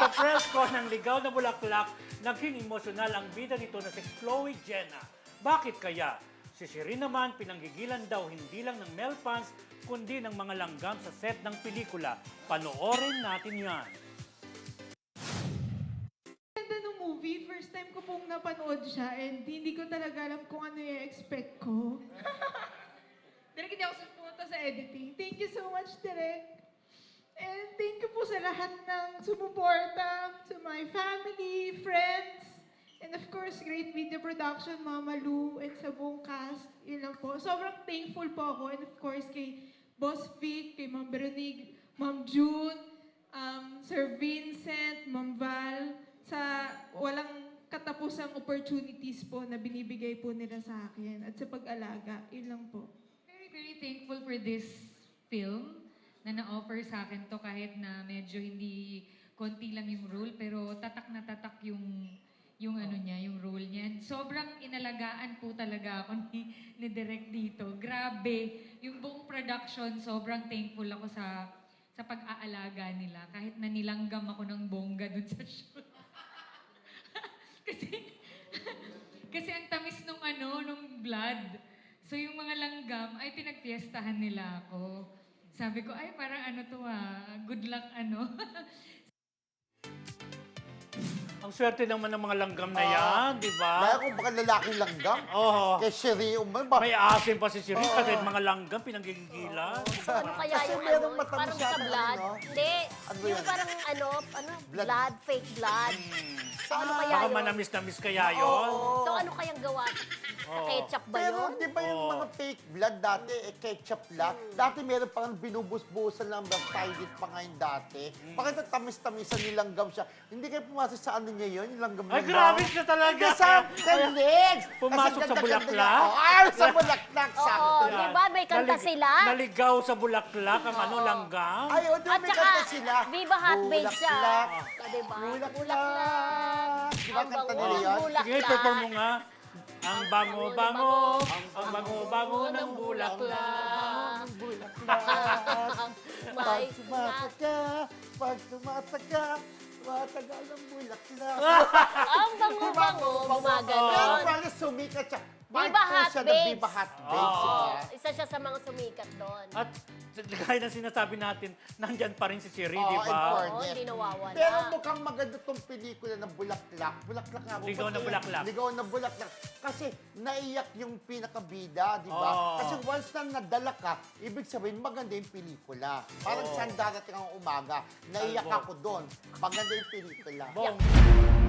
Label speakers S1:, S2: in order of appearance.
S1: Sa press ko ng Ligaw na Bulaklak, naging emosyonal ang bida nito na si Chloe Jenna. Bakit kaya? Si Shireen naman pinanggigilan daw hindi lang ng male fans, kundi ng mga langgam sa set ng pelikula. Panoorin natin yan.
S2: Ganda ng movie, first time ko pong napanood siya and hindi ko talaga alam kung ano yung expect ko. Direk, hindi ako pumunta sa editing. Thank you so much, Direk. And thank you po sa lahat ng sumuporta, to my family, friends, and of course, Great Video Production, Mama Lou, and sa buong cast. Yun lang po. Sobrang thankful po ako. And of course, kay Boss Vic, kay Ma'am Veronique, Ma'am June, Sir Vincent, Ma'am Val, sa walang katapusang opportunities po na binibigay po nila sa akin at sa pag-alaga. Yun lang po.
S3: Very, very thankful for this film na na-offer sa akin to kahit na medyo hindi konti lang yung role pero tatak na tatak yung ano niya, yung role niya. And sobrang inalagaan po talaga ako ni Direk dito. Grabe. Yung buong production, sobrang thankful ako sa pag-aalaga nila. Kahit na nilanggam ako ng bongga dun sa shoot. kasi ang tamis nung blood. So yung mga langgam ay pinagpiestahan nila ako. Sabi ko, ay parang ano to good luck ano.
S1: Ang swerte naman ng mga langgam na yan, di ba?
S4: Dahil kung baka lalaking langgam,
S1: Oo.
S4: kay Shireen,
S1: May asim pa si Shireen kasi mga langgam pinanggigilan.
S5: Ano kaya
S4: Kasi
S5: yung
S4: merong
S5: ano,
S4: matamis
S5: parang sa
S4: yata,
S5: blood?
S4: ano?
S5: Hindi.
S4: Ano
S5: Yung
S4: yan?
S5: parang
S4: Blood.
S5: blood, fake blood. So ano kaya
S1: Baka
S5: yun?
S1: manamis-namis kaya yun.
S5: So ano kayang gawa? Sa ketchup ba
S4: Pero
S5: yun?
S4: di ba yung
S1: Oo.
S4: mga fake blood dati, ketchup lang? Dati meron pang binubus-busan lang, baptided pa ngayon dati. Bakit natamis-tamisan nilanggam siya? Hindi kayo pumasok sa ano niya yun, yung langgam
S1: Ay,
S4: niya.
S1: grabe siya talaga.
S4: Sa legs!
S1: Pumasok
S4: Kasi
S1: sa
S4: ganda-ganda
S1: bulaklak?
S4: niya. Ay, sa bulaklak!
S5: Oo,
S4: Sakto.
S5: di ba? May kanta sila.
S1: Naligaw sa bulaklak ang ano, langgam.
S4: Ay, o, di ba
S5: At
S4: may
S5: saka,
S4: kanta sila?
S5: Viva Hot Babe siya.
S4: Bulaklak.
S5: Di ba?
S4: Bulaklak. Di ba
S5: Ang
S4: kanta
S5: bango
S4: nila
S5: ng
S4: yun?
S5: bulaklak.
S1: Sige, perform mo nga. Ang bango-bango, ang bango-bango ng bulaklak.
S5: May
S4: Pag tumatak ka, pag tumatak ka, tumatagal ang bulaklak.
S5: ang bango-bango,
S4: Pero
S5: gumaganon.
S4: parang sumikat siya.
S5: Viva
S4: Part
S5: Hot
S4: siya ng
S5: Babes.
S4: Viva Hot Babes,
S1: Oo.
S4: diba?
S5: Isa siya sa mga sumikat doon.
S1: At gaya ng sinasabi natin, nandyan pa rin si Siri,
S4: Oo,
S1: di ba?
S4: important.
S5: Oo, hindi nawawala.
S4: Pero mukhang maganda tong pelikula ng Bulaklak. Bulaklak nga.
S1: Ligaw na Bulaklak.
S4: Ligaw na Bulaklak. Kasi naiyak yung pinakabida, di ba?
S1: Oo.
S4: Kasi once na nadala ka, ibig sabihin maganda yung pelikula. Parang
S1: Oo.
S4: saan darating ang umaga, naiyak
S1: Salvo.
S4: ako doon. Maganda yung pelikula.
S1: Bong.